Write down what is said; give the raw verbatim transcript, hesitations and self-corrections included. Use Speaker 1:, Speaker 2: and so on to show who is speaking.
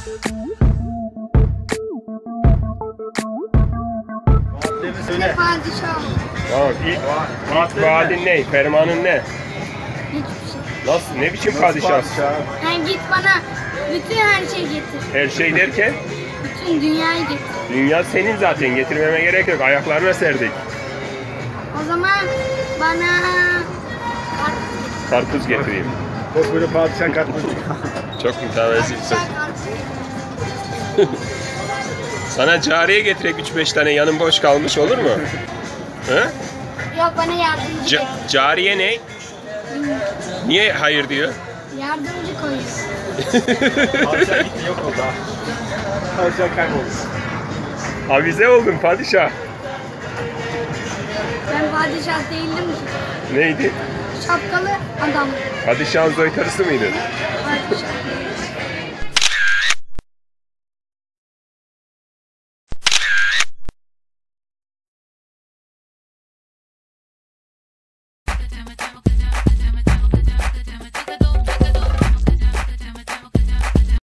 Speaker 1: Söyle.
Speaker 2: Padişah.
Speaker 3: Tamam, ilk, ilk vaadin ne? Fermanın ne?
Speaker 2: Hiçbir şey.
Speaker 3: Nasıl? Ne biçim padişahsın?
Speaker 2: Yani git bana bütün her şeyi getir.
Speaker 3: Her şey derken?
Speaker 2: Bütün dünyayı getir.
Speaker 3: Dünya senin zaten. Getirmeme gerek yok. Ayaklarına serdik.
Speaker 2: O zaman bana
Speaker 3: Karpuz getireyim.
Speaker 1: Bak böyle padişah kartmış.
Speaker 3: Çok mütevazisin.
Speaker 2: padişah karpuz.
Speaker 3: Sana cariye getirek üç beş tane, yanın boş kalmış, olur mu? He?
Speaker 2: Yok bana yardımcı
Speaker 3: Ca
Speaker 2: getir.
Speaker 3: cariye ne? Niye hayır diyor?
Speaker 2: Yardımcı koyuyor.
Speaker 1: Padişah gitti, yok oldu ha. Padişah kayboldu.
Speaker 3: Avize oldun padişah.
Speaker 2: Ben padişah değildim ki.
Speaker 3: Neydi?
Speaker 2: Şapkalı adam.
Speaker 3: Padişahın soytarısı mıydın?
Speaker 2: Padişah.